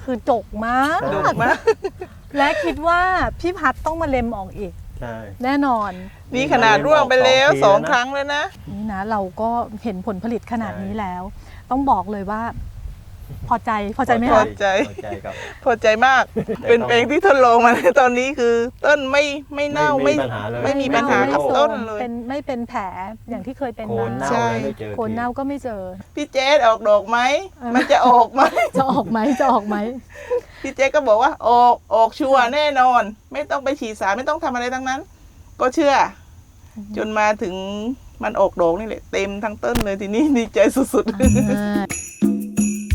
คือจกมากดุมากและคิดว่าพี่พัดต้องมาเล็มออกอีกใช่แน่นอนนี่ขนาดร่วงไปแล้ว2 ครั้งแล้วนะนี่นะเราก็เห็นผลผลิตขนาดนี้แล้ว ต้องบอกเลยว่า พอใจไหมพอคะใจครับพอใจมาก เป็นเพลงที่ทดลองมาในตอนนี้คือต้นไม่เน่าไม่มีปัญหาเลยไม่มีปัญหาไม่กับโซต้นมเลยไม่เป็นแผลอย่างที่เคยเป็นโคนมาเน่าใช่เลยไม่เจอโคนเน่าก็ไม่เจอพี่เจสออกดอกไหมมันจะออกไหมจะออกไหมพี่เจสก็บอกว่าออกชัวร์แน่นอน ไม่ต้องไปฉีดสารไม่ต้องทำอะไรทั้งนั้น ก็เชื่อ จนมาถึงมันออกดอกนี่แหละเต็มทั้งต้นเลยทีนี้ดีใจสุดๆ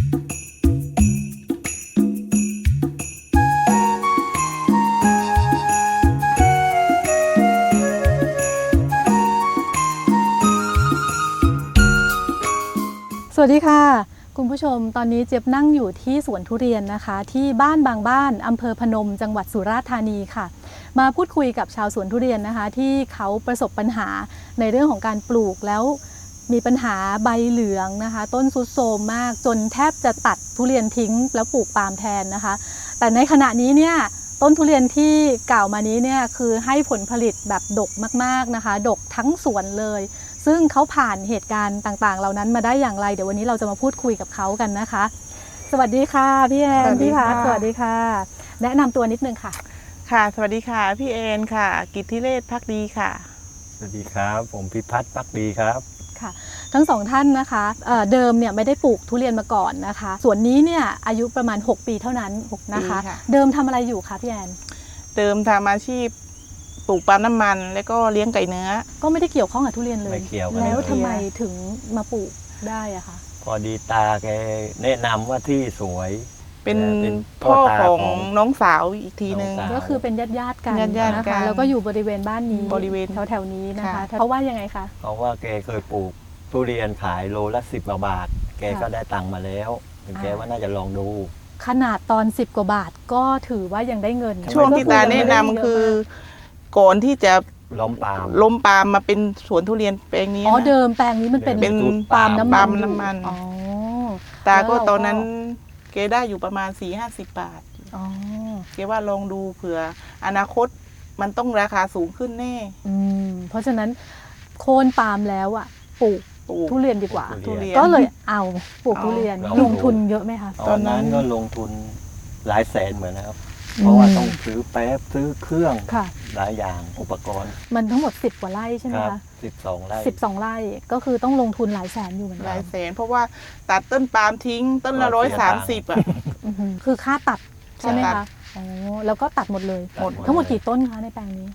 สวัสดีค่ะ คุณผู้ชมตอนนี้เจี๊ยบนั่งอยู่ที่สวนทุเรียนนะคะ ที่บ้านบางบ้านอำเภอพนมจังหวัดสุราษฎร์ธานีค่ะ มาพูดคุยกับชาวสวนทุเรียนนะคะ ที่เขาประสบปัญหาในเรื่องของการปลูกแล้วมีปัญหาใบเหลืองนะคะ ต้นทรุดโทรมมากจนแทบจะตัดทุเรียนทิ้งแล้วปลูกปาล์มแทนนะคะ แต่ในขณะนี้เนี่ยต้นทุเรียนที่กล่าวมานี้เนี่ยคือให้ผลผลิตแบบดกมากๆนะคะดกทั้งสวนเลยซึ่งเขาผ่านเหตุการณ์ต่างๆเหล่านั้นมาได้อย่างไรเดี๋ยววันนี้เราจะมาพูดคุยกับเขากันนะคะ สวัสดีค่ะพี่แอนสวัสดีพี่พัดค่ะสวัสดีค่ะ แนะนำตัวนิดนึงค่ะค่ะ สวัสดีค่ะ พี่เอ็นค่ะ กิตติเรศภักดีค่ะสวัสดีครับ ผมพิพัฒน์ปักดีครับค่ะทั้งสองท่านนะคะเดิมเนี่ยไม่ได้ปลูกทุเรียนมาก่อนนะคะส่วนนี้เนี่ยอายุประมาณ6 ปีเท่านั้นนะคะปีค่ะเดิมทำอะไรอยู่คะพี่แอนเดิมทำอาชีพปลูกปาล์มน้ำมัน แล้วก็เลี้ยงไก่เนื้อก็ไม่ได้เกี่ยวข้องกับทุเรียนเลยไม่เกี่ยวกันแล้วเลยทำไมถึงมาปลูกได้อะคะพอดีตาแกแนะนำว่าที่สวยเป็นเป็นพ่อตาของน้องสาวอีกทีนึงน้องสาวก็คือเป็นญาติกันญาติๆนะกัคะนแล้วก็อยู่บริเวณบ้านนี้บริเวณแถวๆนี้นะคะค่ะเพราะว่ายังไงคะเพราะว่าแกเคยปลูกทุเรียนขายโลละ10 บาท แกก็ค่ะได้ตังค์มาแล้วแกว่าน่าจะลองดูขนาดตอน10 กว่าบาทก็ถือว่ายังได้เงินช่วงที่ตาแนะนำคือ ก่อนที่จะล้มปาล์มล้มปาล์มมาเป็นสวนทุเรียนแปลงนี้อ๋อนะเดิมแปลงนี้มันเป็นเป็นปาล์มน้ำปามัล์นมน้ำมันอ๋อตาก็แล้วเราก็ตอนนั้นเกได้อยู่ประมาณ 4-50 บาทอ๋อเกว่าลองดูเผื่ออนาคตมันต้องราคาสูงขึ้นแน่เพราะฉะนั้นโค่นปาล์มแล้วอ่ะปลูกปลูกทุเรียนดีกว่าทุเรียนก็เลยเอาปลูกทุเรียนเอาลงทุนเยอะไหมคะตอนนั้นก็ลงทุนหลายแสนเหมือนนะครับ เพราะว่าต้องซื้อแป๊บซื้อเครื่องค่ะหลายอย่างอุปกรณ์มันทั้งหมด10 กว่าไร่ใช่ไหมครัคะ 12 ไร่ 12 ไร่ก็คือต้องลงทุนหลายแสนอยู่เหมือนหกัลาน ยแสนเพราะว่าตัดต้นปาล์มทิ้งต้นละก็เสียตังค์ 130 อ่ะอือหือคือค่าตัดใช่ไหมค่าตัคะดอ๋อแล้วก็ตัดหมดเลยหมดทั้งหมดกี่ต้นคะในแปลงนี้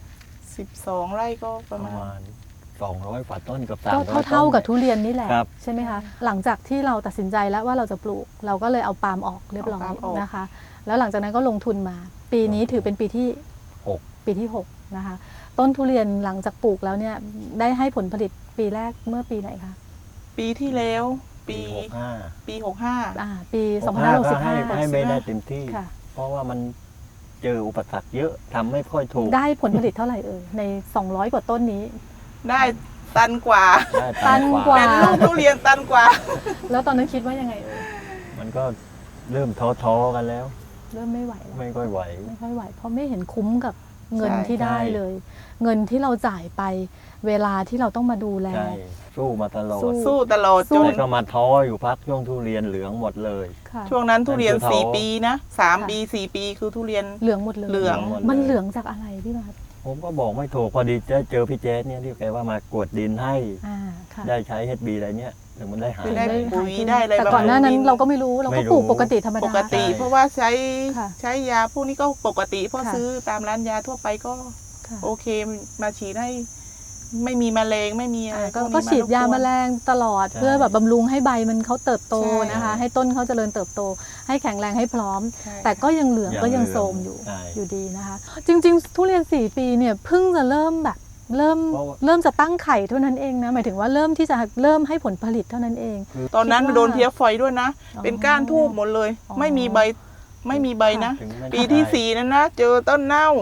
12 ไร่ก็ปประ ระมาณมาณ200 กว่าต้นกับก็ 300 เท่ากับต้นทุเรียนนี่แหละครับใช่ไหมคะหลังจากที่เราตัดสินใจแล้วว่าเราจะปลูก เราก็เลยเอาปาล์มออกเรียบร้อยเอาปาล์มออกนะคะ แล้วหลังจากนั้นก็ลงทุนมา ปีนี้ถือเป็นปีที่ 6 ปีที่6นะคะต้นทุเรียนหลังจากปลูกแล้วเนี่ยได้ให้ผลผลิตปีแรกเมื่อปีไหนคะปีที่แล้วปี 65 ปี 65 ปีก็ให้ไม่ได้ 2565 เต็มที่ค่ะเพราะว่ามันเจออุปสรรคเยอะทำไม่ค่อยถูกได้ผลผลิตเท่าไหร่เอ่ยใน200 กว่าต้นนี้ได้ตันกว่าได้ตันกว่าเป็นลูกทุเรียนตันกว่าแล้วตอนนั้นคิดว่ายังไงเอ่ยมันก็เริ่มท้อๆกันแล้วเริ่มไม่ไหวแล้วไม่ค่อยไหวไม่ค่อยไหวเพราะไม่เห็นคุ้มกับเงินใช่ที่ได้ใช่เลย เงินที่เราจ่ายไปเวลาที่เราต้องมาดูแลใช่สู้มาตลอดสู้สู้ตลอดสู้จนแต่ก็มาท้ออยู่พักช่วงทุเรียนเหลืองหมดเลยค่ะช่วงนั้นทุเรียนนั่นคือ 4 ปีนะค่ะ 3 ปี 4 ปีคือทุเรียนเหลืองหมดเลยเหลืองมันเหลืองจากอะไรพี่มาร์ทผมก็บอกไม่ถูกพอดีเจอพี่เจสเนี่ยที่แกว่ามากวดดินให้ค่ะได้ใช้ HB อะไรเนี่ยถึงมันได้หายได้หายปุ๋ยขึ้ได้อะไรแต่บำรุงก่อนหน้านั้นดินเราก็ไม่รู้เราไม่ก็รู้ปลูกปกติธรรมดาปกติใช่เพราะว่าใช้ค่ะใช้ยาพวกนี้ก็ปกติเพราะค่ะซื้อตามร้านยาทั่วไปก็ค่ะโอเคมาฉีดให้ไม่มีแมลงไม่มีอะไรก็พวนี้ก็ฉีดยารบกวนแมลงตลอดใช่เพื่อแบบบำรุงให้ใบมันเขาเติบโตใช่นะคะ ให้ต้นเขาเจริญเติบโต ให้แข็งแรงให้พร้อมใช่แต่ก็ยังเหลืองยังก็ยังเหลืองโทรมอยู่ใช่อยู่ดีนะคะ จริง ๆ ทุเรียน4 ปีเนี่ยเพิ่งจะเริ่มแบบเริ่มเพราะว่าเริ่มจะตั้งไข่เท่านั้นเองนะหมายถึงว่าเริ่มที่จะเริ่มให้ผลผลิตเท่านั้นเองตอนนั้นคิดว่าโดนเพี้ยไฟด้วยนะอ๋อเป็นก้านทูบหมดเลยอ๋อไม่มีใบไม่มีใบนะถึงไม่ปีที่ได้ 4นั้นนะเจอต้นเน่าค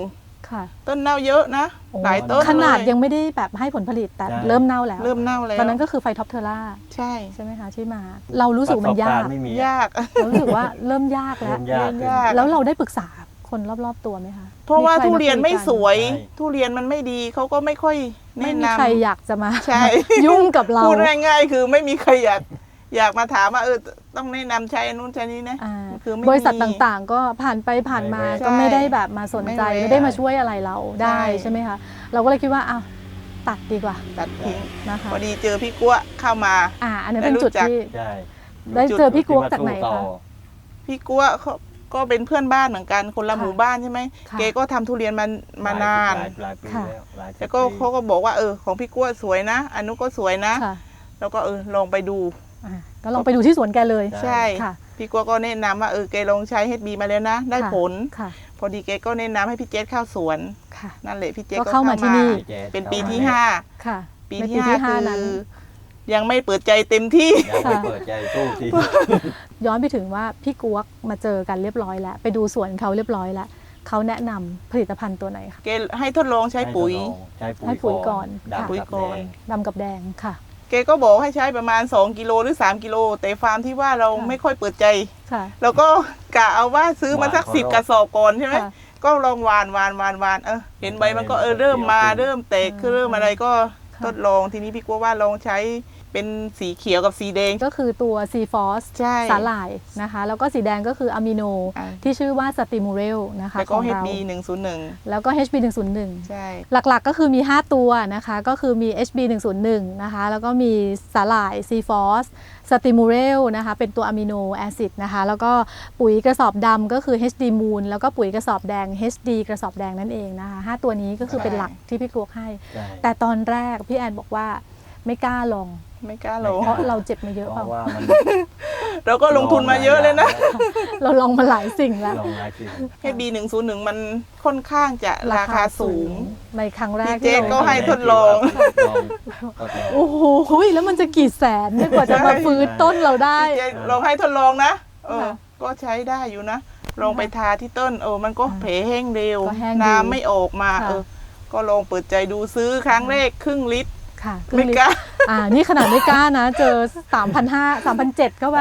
ค่ะต้นเน่าเยอะนะโอ้หลายต้นขนาดเลยยังไม่ได้แบบให้ผลผลิตแต่ใช่เริ่มเน่าแล้วเริ่มเน่าแล้วตอนนั้นก็คือไฟท็อปเทอร่าใช่ใช่ไหมคะที่มา เรารู้สึกมันยากประสบรณ์ไม่มียากเรารู้สึกว่าเริ่มยากแล้วเริ่มยากเริ่มยากแล้วเราได้ปรึกษาคนรอบๆตัวไหมคะเพราะว่าใคทุเรียนไม่สวยใช่ทุเรียนมันไม่ดีเขาก็ไม่ค่อยไม่แนะมีนำใครอยากจะมาใช่ยุ่งกับเราพูดง่ายๆคือไม่มีใครอยากมาถามว่าต้องแนะนำใช้อันนู้นใช้นี้นะอ่าคือไม่บริษัทมีต่างๆ ก็ผ่านไปผ่านมาไม่แวะก็ไม่ได้แบบมาสนใจไม่แวะไม่ได้มาช่วยอะไรเราได้ใช่ใช่ไหมคะเราก็เลยคิดว่าอ้าวตัดดีกว่าตัดทิ้งนะคะพอดีเจอพี่กัวเข้ามาอันนั้นเป็นจุดได้รู้จักที่ใช่ได้เจอพี่กุ๊กจากไหนที่มสู้ต่คะอพี่กัวเขาก็เป็นเพื่อนบ้านเหมือนกันคนละค่ะหมู่บ้านใช่ไหมค่ะเกก็ทำทุเรียนมานานหลายปีค่ะแล้วหลายสิบแล้วก็ปีเขาก็บอกว่าของพี่กัวสวยนะอันนู้นก็สวยนะค่ะแล้วก็ลองไปดูก็ลองไปดูที่สวนแกเลยใช่ค่ะพี่กัวก็แนะนำว่าแกลองใช้ HB มาแล้วนะ ได้ค่ะผลค่ะพอดีแกก็แนะนำให้พี่เจษเข้าสวนค่ะนั่นแหละพี่เจษก็ก็เข้ามาที่นี่พี่แจ๊ดเป็นปีข้ามาที่เนี่ย 5 ค่ะปีในที่ 5 คืนั้นอยังไม่เปิดใจเต็มที่ยังไม่เปิดใจสู้ทีย้อนไปถึงว่าพี่กวกมาเจอกันเรียบร้อยแล้ว ไปดูสวนเขาเรียบร้อยแล้วเขาแนะนำผลิตภัณฑ์ตัวไหนคะแกให้ทดลองใช้ปุ๋ยให้ปุ๋ยก่อนดำปุ๋ยกับก่อนแดงดำกับแดงค่ะแกก็บอกให้ใช้ประมาณ2กิโลหรือ3กิโลแต่ฟาร์มที่ว่าเราค่ะไม่ค่อยเปิดใจค่ะเราก็กะเอาว่าซื้อมาสักหวาน 10 กระสอบก่อนใช่ไหมค่ะก็ลองหวานเห็นใบมันก็เริ่มมาเริ่มแตกเริ่มอะไรก็ค่ะทดลองทีนี้พี่กัวว่าลองใช้เป็นสีเขียวกับสีแดงก็คือตัวซีฟอสใช่สาหร่ายนะคะ แล้วก็สีแดงก็คืออะมิโนอ่าที่ชื่อว่าสติมูเรลนะคะแล้วขก็องเรา HB 101 แล้วก็ HB 101 ใช่หลักๆก็คือมี 5 ตัวนะคะ ก็คือมี HB 101นะคะ แล้วก็มีสาหร่ายซีฟอสสติมูเรลนะคะ เป็นตัวอะมิโนแอซิดนะคะ แล้วก็ปุ๋ยกระสอบดำก็คือ HD Moon แล้วก็ปุ๋ยกระสอบแดง HD กระสอบแดงนั่นเองนะคะ 5 ตัวนี้ก็คือเป็นหลักที่พี่กลวกให้ใช่แต่ตอนแรกพี่แอนบอกว่าไม่กล้าลองไม่กล้าลองเพราะเราเจ็บมาเยอะเพเปล่าราะว่ามันเราก็ลงทุนมาเยอะเลยนะเราลองมาหลายสิ่งแล้วลองหลายสิ่ง HB 101มันค่อนข้างจะราคาสูงในครั้งแรกพี่เจ๊ที่ก็เราให้ทดลองทดลองโอ้โหแล้วมันจะกี่แสนเนี่ยกว่าจะมาฟื้นต้นเราได้พี่เจ๊ลองให้ทดลองนะค่ะก็ใช้ได้อยู่นะ ลองไปทาที่ต้นมันก็แผลแห้งเร็วก็แห้งดีน้ำไม่ออกมาค่ะก็ลองเปิดใจดูซื้อครั้งแรกครึ่งลิตรค่ะไม่กล้านี่ขนาดไม่กล้านะ เจอ 3,500 3,700เข้าไป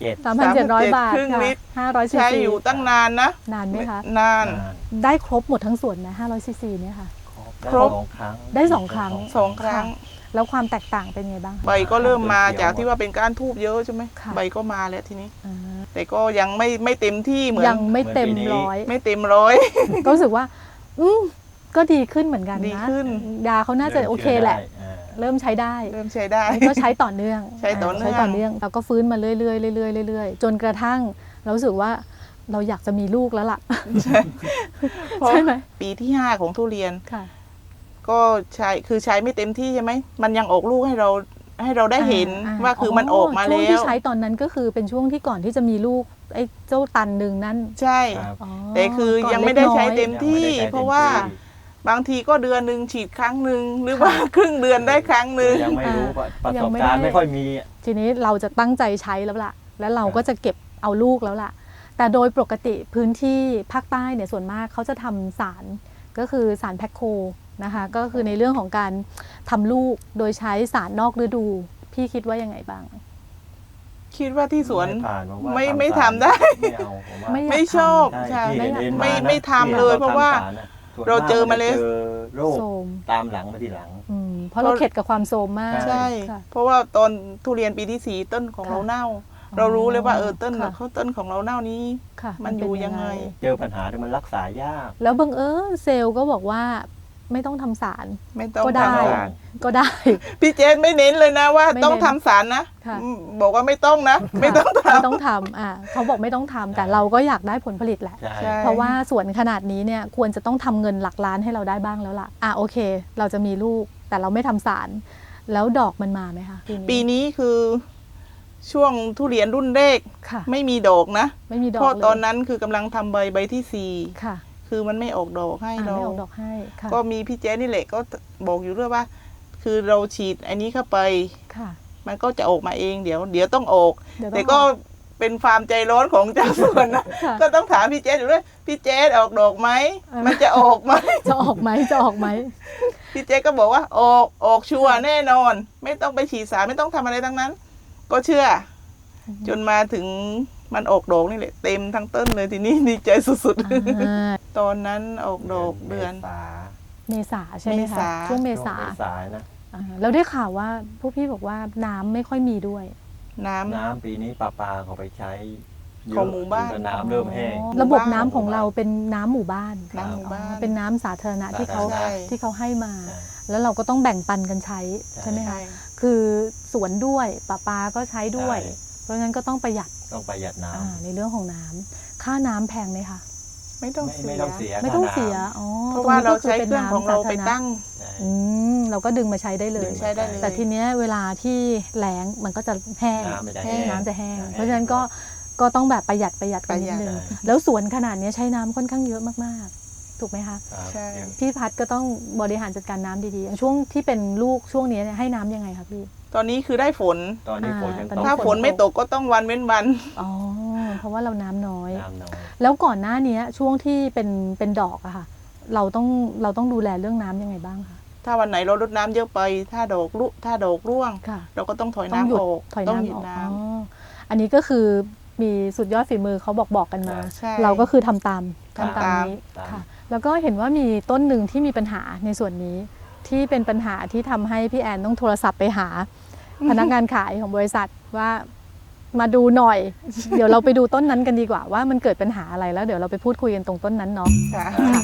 3,700 บาทครึ่งค่ะลิตร 500 ซีใช้ซีอยู่ตั้งนานนะนานไหมคะนานได้ครบหมดทั้งสวนไหม500 ซีซีเนี่ยค่ะครบสองครั้งได้2 ครั้ง 2 ครั้งแล้วความแตกต่างเป็นไงบ้างคะใบก็เริ่มมาจากที่ว่าเป็นก้านทูบเยอะใช่ไหมค่ะใบก็มาแล้วทีนี้อ่าแต่ก็ยังไม่เต็มที่เหมือนยังไม่เต็มร้อยไม่เต็มร้อยก็รู้สึกว่า ก็ดีขึ้นเหมือนกันดีนะขึ้นยาเขาน่าจะโอเคแหละ เริ่มใช้ได้เริ่มใช้ได้ก็ใช้ต่อเนื่องใช้ต่อเนื่องใช้ต่อเนื่องเราก็ฟื้นมาเรื่อยๆเรื่อยๆเรื่อยๆจนกระทั่งเรารู้สึกว่าเราอยากจะมีลูกแล้วล่ะเพราะใช่ไหมปีที่ 5 ของทุเรียนค่ะก็ใช้ไม่เต็มที่ใช่ไหมมันยังออกลูกให้เราได้เห็นว่าคือมันออกมาช่วงแล้ที่วใช้ตอนนั้นก็คือเป็นช่วงที่ก่อนที่จะมีลูกไอ้เจ้าตันหนึ่งนั่นใช่อ๋อแต่คือก่นยังไม่ได้ใช้เต็มล็กน้อยที่ เพราะว่าบางทีก็เดือนหนึ่งฉีดครั้งหนึ่งหรือว่าครึ่งเดือนได้ครั้งหนึ่งยังไม่รู้ประยัสงบไม่การณ์ได้ไม่ค่อยมีทีนี้เราจะตั้งใจใช้แล้วล่ะ แล้วเราก็จะเก็บเอาลูกแล้วล่ะ แต่โดยปกติพื้นที่ภาคใต้เนี่ยส่วนมากเขาจะทำสารก็คือสารแพคโคนะคะ ก็คือในเรื่องของการทำลูกโดยใช้สารนอกฤดู พี่คิดว่ายังไงบ้างคิดว่าที่สวนไม่ผ่านผมว่าไม่ทำทำได้ไม่เอาผมว่าไม่อยากไม่ชอบใช่ใช่ที่เห็นไม่ทำเลยเพราะว่า เราเจอมาแล้วเจอโรคโทรมตามหลังมาทีหลังเพราะเราเข็ดกับความโทรมมากใช่ใช่ค่ะเพราะว่าตอนทุเรียนปีที่ 4 ต้นของค่ะเราเน่า เรารู้เลยว่าต้นค่ะต้นของเราเน่านี้ค่ะมันอยู่ยังไงเจอปัญหาที่มันรักษายากแล้วบังเอิญเซลล์ก็บอกว่าไม่ต้องทำสารไม่ต้องก็ได้ทำสารก็ได้พี่เจนไม่เน้นเลยนะว่าไม่ต้องเน้นทำสารนะค่ะบอกว่าไม่ต้องนะ ไม่ต้องทไม่ต้องทำเขาบอกไม่ต้องทำแต่เราก็อยากได้ผลผลิตแหละใช่ใช่เพราะว่าสวนขนาดนี้เนี่ยควรจะต้องทำเงินหลักล้านให้เราได้บ้างแล้วล่ะโอเค เราจะมีลูกแต่เราไม่ทำสาร แล้วดอกมันมาไหมคะำปีนี้คือช่วงทุเรียนรุ่นแรกค่ะไม่มีดอกนะไม่มีดอกเพราะเลยตอนนั้นคือกำลังทำใบที่ค่ะ 4 คือมันไม่ออกดอกให้เราไม่ออกดอกให้ค่ะก็มีพี่เจนนี่แหละก็บอกอยู่ด้วยว่า คือเราฉีดอันนี้เข้าไปค่ะมันก็จะออกมาเองเดี๋ยวต้องออกเดี๋ยวแต่ต้องก็เป็นความใจร้อนของเจ้าสวนนะค่ะก็ต้องถามพี่เจสอยู่ด้วยพี่เจสออกดอกไหม มันจะออกไหมจะออกไหมจะออกไหมพี่เจสก็บอกว่าออกชัวร์แน่นอน ไม่ต้องไปฉีดสารไม่ต้องทำอะไรทั้งนั้น ก็เชื่อ จนมาถึงมันออกดอกนี่แหละเต็มทั้งต้นเลยทีนี้ดีใจสุดอ่าๆ ตอนนั้นออกดอกเดือนเมษาใช่ไหมเมคะษาช่วงเมษานะเราได้ข่าวว่าพวกพี่บอกว่าน้ำไม่ค่อยมีด้วยน้ำน้ำปีนี้ปลาเขาไปใช้เยของอะหมู่บ้านจนน้ำเริ่มแห้งอ๋อระบบน้ำของเราเป็นน้ำหมู่บ้านน้ำหมู่บ้านอ๋อเป็นน้ำสาธารณะที่เขาใช่ที่เขาให้มาใช่แล้วเราก็ต้องแบ่งปันกันใช้ใช่ใช่ไหมคะใช่คือสวนด้วยปลาก็ใช้ด้วยใช่เพราะฉะนั้นก็ต้องประหยัดต้องประหยัดน้ำในเรื่องของน้ำค่าน้ำแพงไหมคะไม่ต้องไม่ต้องเสียไม่ต้องค่าน้ำเสียอ๋อเพราะว่าเราใช้ตเครื่องของเราไปตั้งใช่เราก็ดึงมาใช้ได้เลยดึงใช้ได้เลยแต่ทีเนี้ยเวลาที่แล้งมันก็จะแห้งน้ำมันจะแห้แห้งงน้ำจะแห้งใช่เพราะฉะนั้นก็ต้องแบบประหยัดกันนิดนึงประหยัดแล้วสวนขนาดเนี้ยใช้น้ำค่อนข้างเยอะมากๆ ถูกไหมคะครับใช่พี่พัดก็ต้องบริหารจัดการน้ำดีๆอย่างช่วงที่เป็นลูกช่วงนี้เนี่ยให้น้ำยังไงคะพี่ตอนนี้คือได้ฝนตอนนี้ฝนยังตอนตนี้กถ้าฝนไม่ตกก็ต้องวันเว้นวันอ๋อเพราะว่าเราน้ำน้อยน้ำน้อยแล้วก่อนหน้านี้ช่วงที่เป็นดอกอะค่ะ เราต้องดูแลเรื่องน้ำยังไงบ้างคะถ้าวันไหนเรารดน้ำเยอะไป ถ้าดอกร่วงค่ะเราก็ต้องถอยต้องน้ำหยุดออกถอยต้องน้ำหยุอดอกน้อ๋ออันนี้ก็คือมีสุดยอดฝีมือเขาบอกกันมาใช่เราก็คือทำตามทำตามนี้ค่ะ แล้วก็เห็นว่ามีต้นหนึ่งที่มีปัญหาในส่วนนี้ ที่เป็นปัญหาที่ทำให้พี่แอนต้องโทรศัพท์ไปหา พนักงานขายของบริษัทว่ามาดูหน่อย เดี๋ยวเราไปดูต้นนั้นกันดีกว่าว่ามันเกิดปัญหาอะไรแล้วเดี๋ยวเราไปพูดคุยกันตรงต้นนั้นเนาะำค่ะ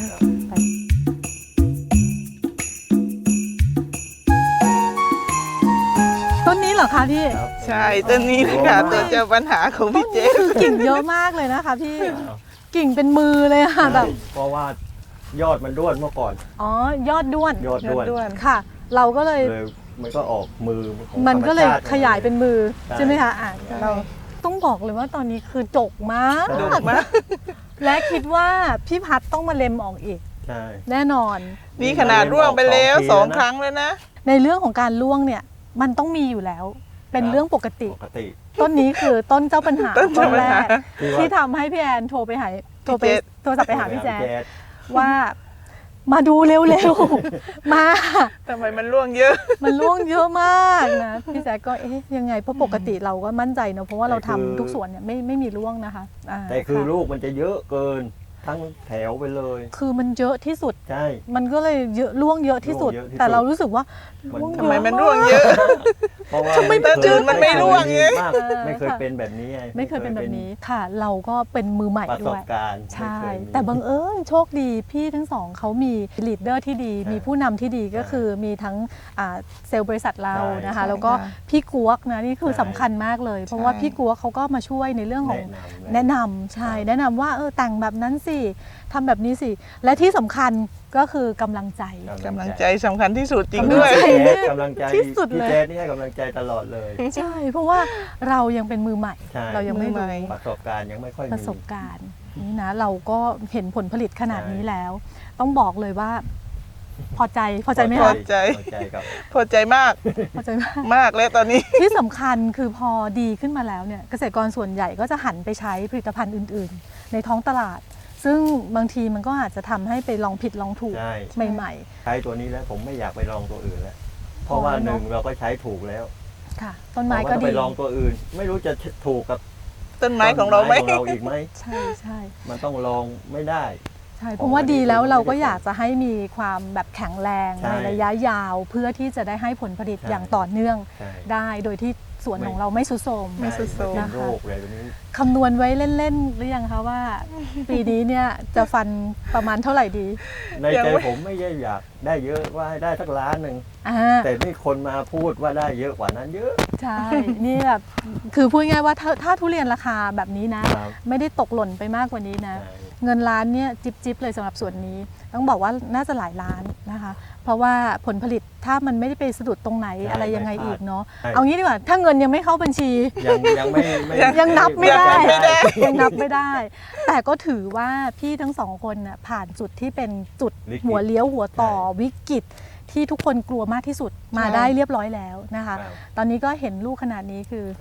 ต้นนี้เหรอคะพี่ครับใช่ต้นนี้เลยค่ะตัวเจอปัญหาของพี่เจคือกิ่งเยอะมากเลยนะคะพี่กิ่งเป็นมือเลยอะแบบเพราะว่ายอดมันด้วนเมื่อก่อนอ๋อยอดด้วนยอดด้วนค่ะ เราก็เลยเลยมันก็ออกมือของมันก็เลยธรรชาติขยายเป็นมือใช่ใช่ไหมคะอ่ะใช่เราต้องบอกเลยว่าตอนนี้คือจกมากใช่ดุมากและคิดว่าพี่พัดต้องมาเล็มออกอีกใช่แน่นอนนี่ขนาดร่วงไปแล้ว 2 2 ครั้งแล้วนะในเรื่องของการล่วงเนี่ยมันต้องมีอยู่แล้ว เป็นเรื่องปกติปกติต้นนี้คือต้นเจ้าปัญหาต้นเจ้าปัญหาแรกที่ว่าที่ทำให้พี่แอนโทรไปหาโทรไปพี่เจษโทรศัพท์ไปหาพี่แจ๊ดแจ๊ดว่ามาดูเร็วๆ มาทำไมมันร่วงเยอะมันล่วงเยอะมากนะพี่แจ๊ดก็เอ๊ะยังไงเพราะปกติเราก็มั่นใจเนอะเพราะว่าเราทำทุกส่วนเนี่ยไม่มีล่วงนะคะาแต่คือค่ะลูกมันจะเยอะเกินทั้งแถวไปเลยคือมันเยอะที่สุดใช่มันก็เลยเยอะล่วงเยอะที่สุดล่วงเยอะที่สุดแต่เรารู้สึกว่ามันล่วงเยทำอะไมมันร่วงเยอะเพราะว่าทำไมต้นอื่นมันไม่ร่วงไงมากไม่เคยเป็นแบบนี้ไงไม่เคยเป็นแบบนี้ค่ะ เราก็เป็นมือใหม่ประสด้วบยการณ์ใช่ไม่เคยมีแต่บังเอิญโชคดีพี่ทั้งสองเขามีลีดเดอร์ที่ดีใช่มีผู้นำที่ดีก็คือมีทั้งเซลล์บริษัทเราใช่นะคะใช่แล้วก็ค่ะพี่กวกนะนี่คือใช่สำคัญมากเลย เพราะว่าใช่พี่กวกเขาก็มาช่วยในเรื่องของแนะนำแนะนำใช่ครับแนะนำว่าแต่งแบบนั้นสิทำแบบนี้สิ และที่สำคัญก็คือกำลังใจกำลังใจสำคัญที่สุดจริงกำลังด้วยใจกำลังใจที่สุดเลยพี่แจ๊ดนี่ให้กำลังใจตลอดเลยใช่ เพราะว่าเรายังเป็นมือใหม่ใช่เรายังไม่มือใหม่รู้ประสบการณ์ยังไม่ค่อยปมีระสบการณ์นี่นะเราก็เห็นผลผลิตขนาดใช่นี้แล้ว ต้องบอกเลยว่า พอใจไหมพอคะใจพอใจกับพอใจมากพอใจมากมากแล้วตอนนี้ที่สำคัญคือพอดีขึ้นมาแล้วเนี่ยเกษตรกรส่วนใหญ่ก็จะหันไปใช้ผลิตภัณฑ์อื่น ๆ ในท้องตลาด ซึ่งบางทีมันก็อาจจะทำให้ไปลองผิดลองถูกใช่ใหม่ใช้ตัวนี้แล้วผมไม่อยากไปลองตัวอื่นแล้ว เพราะว่าอ๋อหนึ่งเนอะเราก็ใช้ถูกแล้วๆ ค่ะ ต้นไม้เพราะก็ว่าถ้าดีไปลองตัวอื่น ไม่รู้จะถูกกับต้นไม้ของเราไหมต้นของเราอีกไหมใช่ใช่มันต้องลองไม่ได้ใช่ของเพราะว่าอันนี้ดีแล้วผมไม่เราก็ได้อยากจะให้มีความแบบแข็งแรงใช่ในระยะยาว เพื่อที่จะได้ให้ผลผลิตใช่อย่างต่อเนื่องใช่ได้โดยที่สวนของเราไม่สุดโทรมไม่สุดโทรมเป็นนะคะโรคอะไรแบบนี้คำนวณไว้เล่นๆหรือยังคะว่า ปีนี้เนี่ยจะฟันประมาณเท่าไหร่ดีในยังใจไม่ผมไม่ได้อยากได้เยอะว่าให้ได้สักล้านหนึ่งอ่าแต่มีคนมาพูดว่าได้เยอะกว่านั้นเยอะใช่ นี่แบบคือพูดง่ายๆว่าถ้าทุเรียนราคาแบบนี้นะครับไม่ได้ตกหล่นไปมากกว่านี้นะใช่เงินล้านเนี่ยจิบๆเลยสำหรับส่วนนี้ ต้องบอกว่าน่าจะหลายล้านนะคะ เพราะว่าผลผลิตถ้ามันไม่ได้ไปสะดุดตรงไหนใช่อะไรยังไงไม่พลาดอีกเนาะใช่เอางี้ดีกว่าถ้าเงินยังไม่เข้าบัญชียังไม่ยังนับไม่ได้ไม่ได้ยังนับไม่ได้ แต่ก็ถือว่าพี่ทั้งสองคนน่ะผ่านจุดที่เป็นจุดวิกฤตหัวเลี้ยวหัวต่อใช่วิกฤตที่ทุกคนกลัวมากที่สุดมาใช่ได้เรียบร้อยแล้วนะคะครับตอนนี้ก็เห็นลูกขนาดนี้คือก็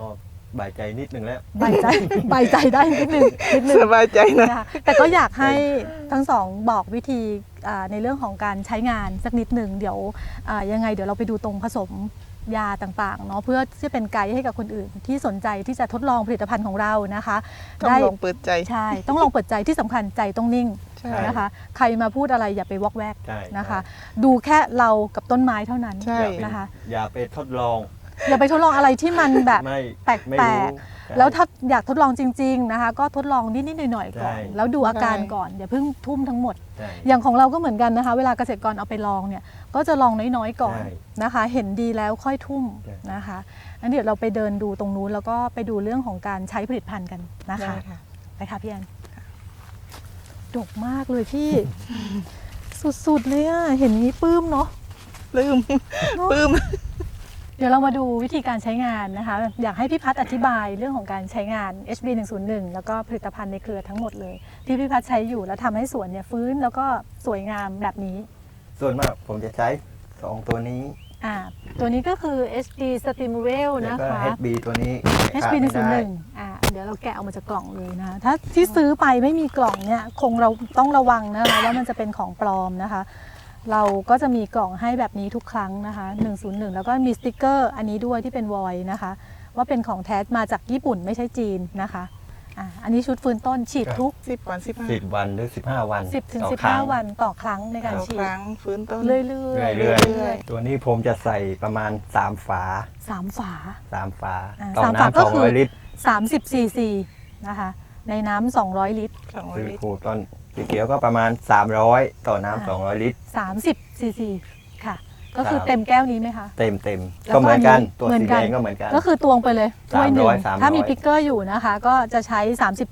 บายใจนิดนึงแล้วใบใจ ใบใจได้นิดนึงสบายใจนะนะคะแต่ก็อยากให้ทั้งสองบอกวิธีในเรื่องของการใช้งานสักนิดหนึ่งเดี๋ยวยังไงเดี๋ยวเราไปดูตรงผสมยาต่างๆเนาะเพื่อที่จะเป็นไกด์ให้กับคนอื่นที่สนใจที่จะทดลองผลิตภัณฑ์ของเรานะคะต้องลองเปิดใจใช่ต้องลองเปิดใจที่สำคัญใจต้องนิ่งใช่นะคะ ใครมาพูดอะไรอย่าไปวอกแวกใช่นะคะ ดูแค่เรากับต้นไม้เท่านั้นใช่นะคะอย่าไปทดลองอย่าไปทดลองอะไรที่มันแบบไม่แปลกไม่แปลรู้กใช่แล้วถ้าอยากทดลองจริงๆนะคะ ก็ทดลองนิดๆหน่อยๆก่อนใช่แล้วดูอาการใช่ก่อนอย่าเพิ่งทุ่มทั้งหมดใช่อย่างของเราก็เหมือนกันนะคะ เวลาเกษตรกรเอาไปลองเนี่ยก็จะลองน้อยๆก่อนใช่นะคะ เห็นดีแล้วค่อยทุ่มใช่นะคะงั้นเดี๋ยวเราไปเดินดูตรงนู้นแล้วก็ไปดูเรื่องของการใช้ผลิตภัณฑ์กันนะคะได้ค่ะไปค่ะพี่แอนดกมากเลยพี่ สุดๆเลยอะเห็นนี้ปลื้มเนาะปลื้ม ปลื้มเดี๋ยวเรามาดูวิธีการใช้งานนะคะ อยากให้พี่พัฒน์อธิบายเรื่องของการใช้งาน HB 101แล้วก็ผลิตภัณฑ์ในเครือทั้งหมดเลย ที่พี่พัฒน์ใช้อยู่แล้วทำให้สวนเนี่ยฟื้นแล้วก็สวยงามแบบนี้ส่วนมากผมจะใช้ 2 ตัวนี้ตัวนี้ก็คือ HD Stimulate แล้วนะก็คะ HB ตัวนี้ HB ขาดไม่ได้ 101เดี๋ยวเราแกะออกมาจากกล่องเลยนะคะถ้าที่ซื้อไปไม่มีกล่องเนี่ยคงเราต้องระวังนะคะว่ามันจะเป็นของปลอมนะคะ เราก็จะมีกล่องให้แบบนี้ทุกครั้งนะคะ101แล้วก็มีสติกเกอร์อันนี้ด้วยที่เป็นวอยนะคะ ว่าเป็นของแท้มาจากญี่ปุ่นไม่ใช่จีนนะคะอันนี้ชุดฟื้นต้นฉีดทุก 10 วัน 15 10 วันหรือ 15 วัน 10 ถึงต่อครั้ง 15 วันต่อครั้งในการต่อฉีคดรั้งฟื้นต้นเรื่อยๆเรื่อยเรื่อยตัวนี้ผมจะใส่ประมาณ 3 ฝาๆ3 ฝา 3 ฝาอ่าต่อสามฝาน้ำก็คือ 200 ลิตร 30 ซีซีนะคะในน้ำ200 ลิตร 200 คือลิตรขูดต้นสีเขียวก็ประมาณ 300 ต่อน้ำ200 ลิตร 30 ซีซีค่ะ ก็คือครับเต็มแก้วนี้ไหมคะเต็มแล้วก็ก็เหมือนกันอันนี้ตัวเหมือนสีกัแดนงก็เหมือนกันก็คือตวงไปเลยถ้วยหนึ่ง 300 ถ้ามีพิกเกอร์อยู่นะคะ ก็จะใช้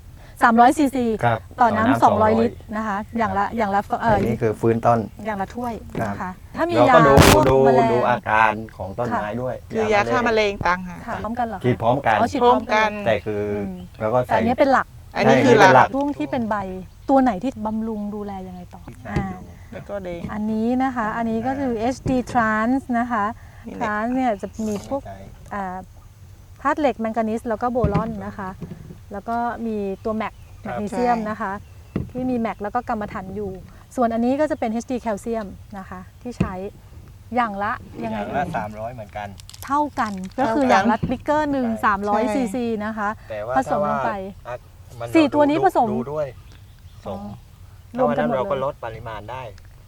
300 ซีซีครับต่อน้ำ200 ลิตรนะคะ อย่างละอันนี้คือฟื้นต้นอย่างละถ้วยนะคะ ถ้ามีเรายาก็ดูพวกดูแมลงดูอาการของต้นไม้ด้วยคือยาฆ่าแมลงต่างหากค่ะพร้อมกันเหรอคะฉีดพร้อมกันอ๋อฉีดพร้อมกันแต่คืออมเราก็แต่ใส่อันนี้เป็นหลักอันนี้ใช่คือหเป็นหลัลักกช่วงที่เป็นใบตัวไหนที่บำรุงดูแลยังไงต่อแล้วก็แดงอันนี้นะคะ อันนี้ก็คือ HD Trans นะคะนี่แหละ Trans เนี่ยจะมีพวกธาตุเหล็กแมงกานีสแล้วก็โบรอนนะคะ แล้วก็มีตัวแมกนีเซียมนะคะ ที่มีแมกแล้วก็กรรมฐานอยู่ ส่วนอันนี้ก็จะเป็น HD แคลเซียมนะคะ ที่ใช้อย่างละยังไงอย่างเอ่ละย 300 เหมือนกันเท่ากันก็คืออย่างละบิ๊กเกอร์หนึ่งใช่ 300 ซีซีนะคะแต่ว่าผสมลงไปถ้าว่าสี่ตัวนี้ผสมดูด้วยสมรวมกันหมดเราก็เลยลดปริมาณได้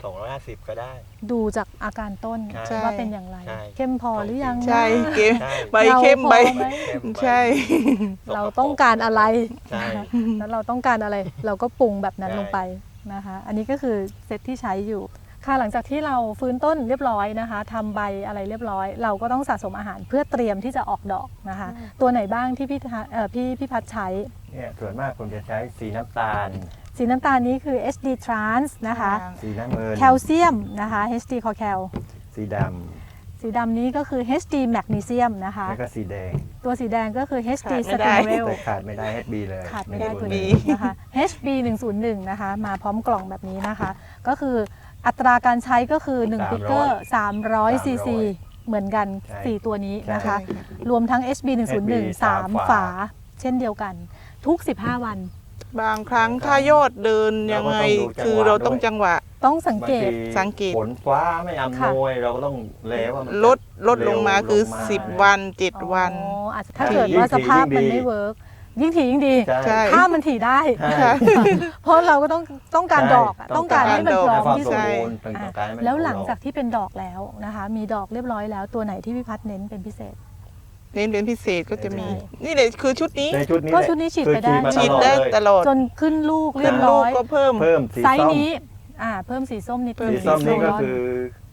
250ก็ได้ดูจากอาการต้นใช่ว่าเป็นอย่างไรใช่เข้มพอหรือยังใช่นะเกมใช่ใบเข้มใบเราพอไหมเข้มไปใช่เราต้องการอะไรใช่แล้วเราต้องการอะไร เราก็ปรุงแบบนั้นใช่ลงไปนะคะ อันนี้ก็คือเซตที่ใช้อยู่ ค่ะหลังจากที่เราฟื้นต้นเรียบร้อยนะคะทำใบอะไรเรียบร้อย เราก็ต้องสะสมอาหารเพื่อเตรียมที่จะออกดอกนะคะ ตัวไหนบ้างที่พี่พัดใช้เนี่ยส่วนมากผมจะใช้สีน้ำตาลสีน้ำตาลนี้คือ HD Trans นะคะสีน้ำเงินแคลเซียมนะคะ HD c o c a l สีดสีดำนี้ก็คือ HD Magnesium นะคะำแล้วก็สีแดงตัวสีแดงก็คือ HD ขาดไม่ได้ Stimulate แต่ขาดไม่ได้ HB เลยขาดไม่ได้ตัว HB นี้นะคะ HB 101นะคะ มาพร้อมกล่องแบบนี้นะคะ ก็คืออัตราการใช้ก็คือ1ปิกเกอร์300 ซีซีเหมือนกันใช่ 4 ตัวนี้นะคะใช่ค่ะรวมทั้ง HB 101 3 ฝา เช่นเดียวกัน ทุก 15 วันบางครั้งถ้ายอดเดินยังไง คือเราต้องจังหวะต้องสังเกตบางทีสังเกตฝนฟ้าไม่อำนวยเราก็ต้องเลว่ามันลดลงมาคือเร็วลงมา 10 วัน 7 วันอ๋ออาจจะถ้าเกิดว่าสภาพมันไม่เวิร์กยิ่งถี่ยิ่งดีใช่ถ้ามันถี่ได้ใช่เพราะเราก็ต้องการดอกอะใช่ต้องการให้มันพร้อมความที่สสุมดบูรณ์ต้องการให้มันแล้วหลังจากที่เป็นดอกแล้วนะคะ มีดอกเรียบร้อยแล้วตัวไหนที่พี่พัฒน์เน้นเป็นพิเศษเน้นเป็นพิเศษก็จะมีใช่นี่เลยคือชุดนี้ในชุดนี้ก็แหละชุดนี้ฉีดไปได้คือฉีดมาได้เลยตลอดจนขึ้นลูกเรียบลูร้กอยก็เพิ่มเพิ่มสีไซส์ส้มนี้เพิ่มสีส้มนิดเพิ่สีมส้มนี่ก็โซลอนคือ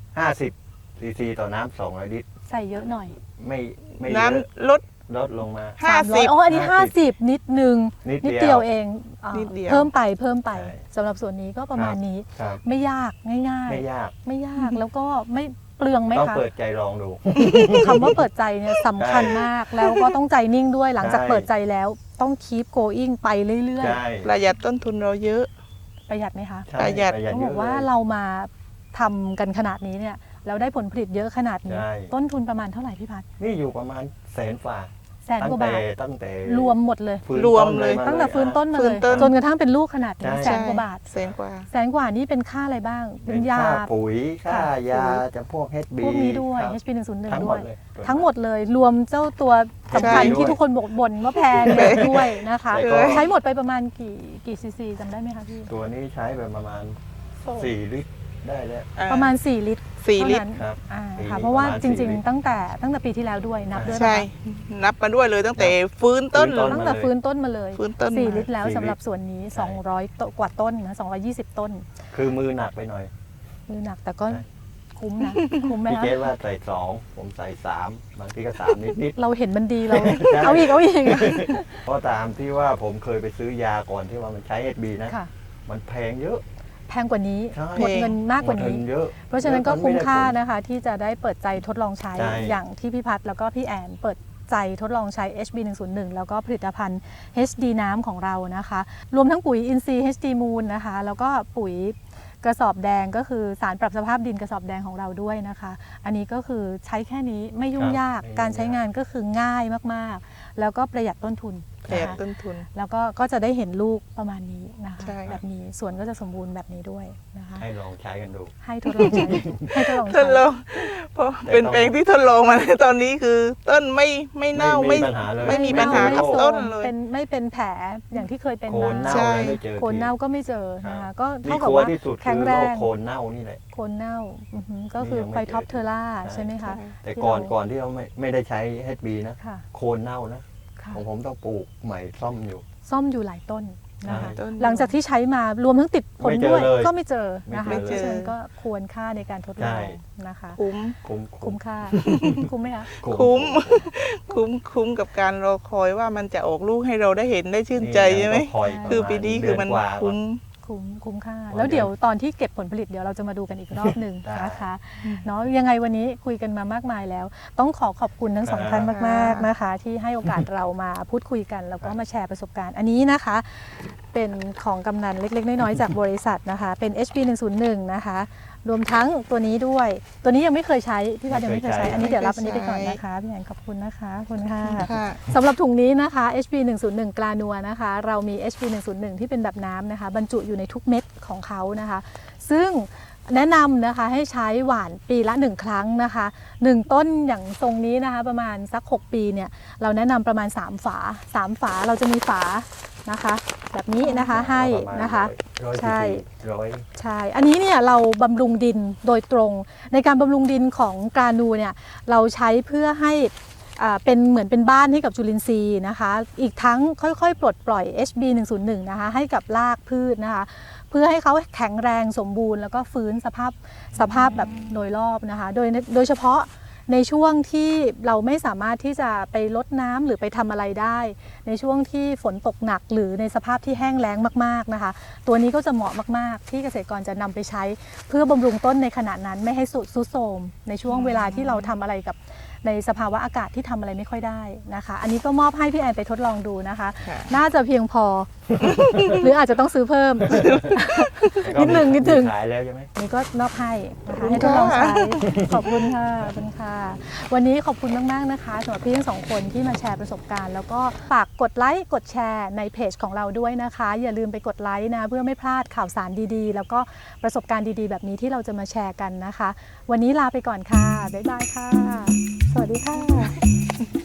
50 ซีซีต่อน้ำ200 ลิตรใส่เยอะหน่อยไม่เยน้อะำลดลดลงมา 300อ๋ออันนี้ 50 นิดนึงนิดนิดเดีเดียยว วเองนิดเดียวเพิ่มไปใช่สำหรับส่วนนี้ก็ประมาณนี้ครับไม่ยากง่ายไม่ยากๆ ไม่ยากแล้วก็ไม่เปลืองไหมต้องคะเปิดใจลองดูคำว่าเปิดใจเนี่ยสำคัญมากแล้วก็ต้องใจนิ่งด้วยหลังจากใช่เปิดใจแล้วต้อง keep going ไปเรื่อยใช่ประหยัดต้นทุนเราเยอะๆ ประหยัดไหมคะใช่ประหยัดต้องบอกเยะว่าลยเรามาทำกันขนาดนี้เนี่ยแล้วได้ผลผลิตเยอะขนาดนี้ใช่ต้นทุนประมาณเท่าไหร่พี่พัฒน์นี่อยู่ประมาณ100,000 ฝ่า 100,000 กว่าบาทตั้งแต่รวมหมดเลยฟื้นรวมต้นเลยาตั้งแต่ฟื้นต้นมาฟื้เลนยต้นจนกระทั่งเป็นลูกขนาดนี้ใช่ 100,000 กว่าบาทแสนกว่า 100,000 กว่านี่เป็นค่าอะไรบ้าง เป็นยาค่ปุ๋ยค่าค่ะยาจะพวก HB พวกนี้ด้วยครับ HP 101 ทั้งหด้มวดยเลยทั้งหมดเลยรวมเจ้าตัวสำคัญใช่ที่ทุกคนบ่นว่าแพงเนี่ยด้วยนะคะแต่ก็ใช้หมดไปประมาณกี่ซีซีจำได้ไหมคะพี่ตัวนี้ใช้ไปประมาณ 4 ลิตรได้แล้วประมาณ 4 ลิตร 4 ลิตรเท่านั้นครับอ่าปีค่ะนี้เพราะว่าประมาณจ 4 ริงลิตรๆ ตั้งแต่ปีที่แล้วด้วยนับด้วยใช่ปะคะนับมาด้วยเลยตั้งแต่ฟื้นต้นฟื้นต้นตั้งแต่ฟื้นต้นมาเลยฟื้นต้น 4 มาลิตรแล้ว 4 สำหรับส่วนนี้ใช่ 200 กว่าต้นนะ220 ต้นคือมือหนักไปหน่อยมือหนักแต่ก็ใช่คุ้มนะ คุ้มไหมพี่คะเจว่าใส่ 2 ผมใส่ 3 บางทีก็ 3 นิดเราเห็นมันดีเราใช่เอาอีกๆ เพราะตามที่ว่าผมเคยไปซื้อยาก่อนที่ว่ามันใช้ HB นะค่ะมันแพงเยอะแพงกว่านี้ใช่หมดเงินมากกว่านี้หมดเงิเยอะเพราะฉะนั้นก็แล้วคุ้มค่าไได้ผลนะคะ ที่จะได้เปิดใจทดลองใช้ใช่อย่างที่พี่พัฒน์แล้วก็พี่แอนเปิดใจทดลองใช้ HB 101แล้วก็ผลิตภัณฑ์ HD น้ำของเรานะคะ รวมทั้งปุ๋ยอินทรีย์ HD Moon นะคะ แล้วก็ปุ๋ยกระสอบแดงก็คือสารปรับสภาพดินกระสอบแดงของเราด้วยนะคะ อันนี้ก็คือใช้แค่นี้ไม่ยุ่งยากไม่ยุ่งยากการใช้งานก็คือง่ายมากๆ แล้วก็ประหยัดต้นทุนประหยัดนะคะต้นทุนแล้วก็จะได้เห็นลูกประมาณนี้นะคะใช่แบบนี้สวนก็จะสมบูรณ์แบบนี้ด้วยนะคะให้ลองใช้กันดูให้ทดลองใช้ ให้ทดลองทใช้ดลองเพราะแต่เป็นต้องแปลงที่ทดลองมาในตอนนี้คือต้นไม่เน่าไม่มีปัญหาเลยไม่มีปัญหาไม่กับโทรมต้นเลยไม่เป็นแผลอย่างที่เคยเป็นโคนมาเน่าใช่เลยไม่เจอโคนเน่าทีก็ไม่เจอนะครัคะบก็นี่เท่ากับกลัวว่าที่สุดแข็คืงอแรโรคงโคนเน่านี่แหละโคนเน่าอือหือก็คือนี่ยังไม่ไฟท็อปเจอเทอร่าใช่ใช่ไหมคะแต่ที่ก่อนเราก่อนที่เราไม่ได้ใช้ HB นะค่ะโคนเน่านะค่ะของผมต้องปลูกใหม่ซ่อมอยู่ซ่อมอยู่หลายต้นนะคะใช่ต้นหลังจากที่ใช้มารวมทั้งติดผลไม่เจอด้วยเลยก็ไม่เจอนะคะไม่เพเจอราะฉะนั้นก็ควรค่าในการทดลอใช่งนะคะคุ้มคุ้มค่า คุ้มไหมคะคุ้ม คุ้มกับการรอคอยว่ามันจะออกลูกให้เราได้เห็นได้ชื่นใจใช่ไหมนี่ยังต้องยคือปีนี้คือมันเดืกว่าคุ้มคุ้มค่าเพราะแล้วเดี๋ยวตอนที่เก็บผลผลิตเดี๋ยวเราจะมาดูกันอีกรอบหนึ่งได้นะคะเนาะยังไงวันนี้คุยกันมามากมายแล้ว ต้องขอบคุณทั้งสองครับท่านมากๆนะคะ ที่ให้โอกาสเรามาพูดคุยกันแล้วก็มาแชร์ประสบการณ์อันนี้นะคะ เป็นของกำนันเล็กๆน้อยๆจากบริษัทนะคะ เป็น HB 101นะคะ รวมทั้งตัวนี้ด้วย ตัวนี้ยังไม่เคยใช้พี่พัดยังไม่เคยใช้ อันนี้เดี๋ยวรับอันนี้ไปก่อนนะคะพี่แอนขอบคุณนะคะขอบคุณค่ะค่ะสำหรับถุงนี้นะคะ HB 101กลานัวนะคะ เรามี HB 101ที่เป็นแบบน้ำนะคะ บรรจุอยู่ในทุกเม็ดของเขานะคะ ซึ่งแนะนำนะคะให้ใช้หว่านปีละ 1 ครั้งนะคะ1ต้นอย่างทรงนี้นะคะประมาณสัก 6 ปีเนี่ยเราแนะนำประมาณ 3 ฝา 3 ฝาเราจะมีฝานะคะ แบบนี้นะคะให้นะคะร้อยใช่ร้อยใช่ อันนี้เนี่ยเราบำรุงดินโดยตรง ในการบำรุงดินของกรานูเนี่ยเราใช้เพื่อให้เป็นเหมือนเป็นบ้านให้กับจุลินทรีย์นะคะ อีกทั้งค่อยๆ ปลดปล่อย HB 101นะคะให้กับรากพืชนะคะ เพื่อให้เขาแข็งแรงสมบูรณ์แล้วก็ฟื้นสภาพแบบโดยรอบนะคะ โดยเฉพาะในช่วงที่เราไม่สามารถที่จะไปรดน้ำหรือไปทำอะไรได้ ในช่วงที่ฝนตกหนักหรือในสภาพที่แห้งแล้งมากๆนะคะ ตัวนี้ก็จะเหมาะมากๆ ที่เกษตรกรจะนำไปใช้ เพื่อบำรุงต้นในขณะนั้นไม่ให้สุดทรุดโทรมในช่วงเวลาที่เราทำอะไรกับในสภาวะอากาศที่ทำอะไรไม่ค่อยได้นะคะ อันนี้ก็มอบให้พี่แอนไปทดลองดูนะคะค่ะน่าจะเพียงพอ หรืออาจจะต้องซื้อเพิ่ม นิดหนึ่งขายแล้วใช่ไหมนี่ก็มอบให้นะคะให้ทดลองใช้ ขอบคุณค่ะขอบคุณค่ะ วันนี้ขอบคุณมากๆนะคะสำหรับพี่ทั้งสองคนที่มาแชร์ประสบการณ์ แล้วก็ฝากกดไลค์กดแชร์ในเพจของเราด้วยนะคะ อย่าลืมไปกดไลค์นะเพื่อไม่พลาดข่าวสารดีๆ แล้วก็ประสบการณ์ดีๆ แบบนี้ที่เราจะมาแชร์กันนะคะ วันนี้ลาไปก่อนค่ะบ๊ายบายค่ะ สวัสดีค่ะ